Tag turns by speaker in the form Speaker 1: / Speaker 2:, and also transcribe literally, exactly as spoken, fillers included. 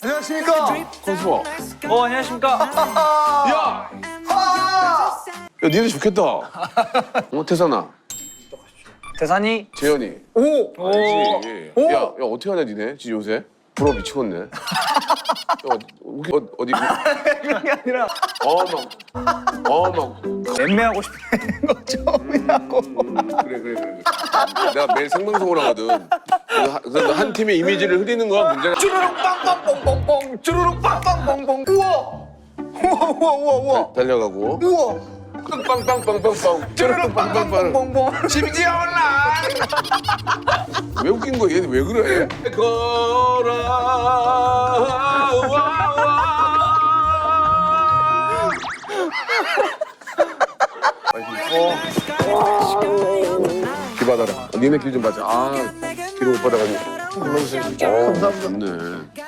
Speaker 1: 안녕하십니까.
Speaker 2: 건수아.
Speaker 3: 어, 안녕하십니까.
Speaker 2: 야! 야, 니네 좋겠다. 어, 태산아,
Speaker 3: 대산이.
Speaker 2: 재현이.
Speaker 1: 오.
Speaker 2: 알지?
Speaker 1: 오.
Speaker 2: 야, 야, 어떻게 하냐, 니네? 지금 요새? 부러워 미치겠네. 야, 어디, 어, 어디.
Speaker 3: 그런 게 아니라
Speaker 2: 어, 막. 어, 막.
Speaker 3: 맴매하고 싶은 거 처음이라고.
Speaker 2: 음, 그래, 그래, 그래. 내가 매일 생방송을 하거든. 그래서 한- 그래서 한 팀의 이미지를 흐리는 거야, 문제가.
Speaker 1: 쭈루룩 빵빵 뽕뽕뽕. 쭈루룩 빵빵 뽕뽕. 우와. 우와 우와 우와 우와.
Speaker 2: 달려가고.
Speaker 1: 우와.
Speaker 2: 빵빵빵빵빵.
Speaker 1: 쭈루룩 빵빵 뽕뽕뽕.
Speaker 2: 심지어 온라. 왜 웃긴 거야? 얘는 왜 그래? 걸어. 길 받아라. 니네 길 좀 받자. 아, 길을 못 받아가지고. 어, 감사합니다. 좋네.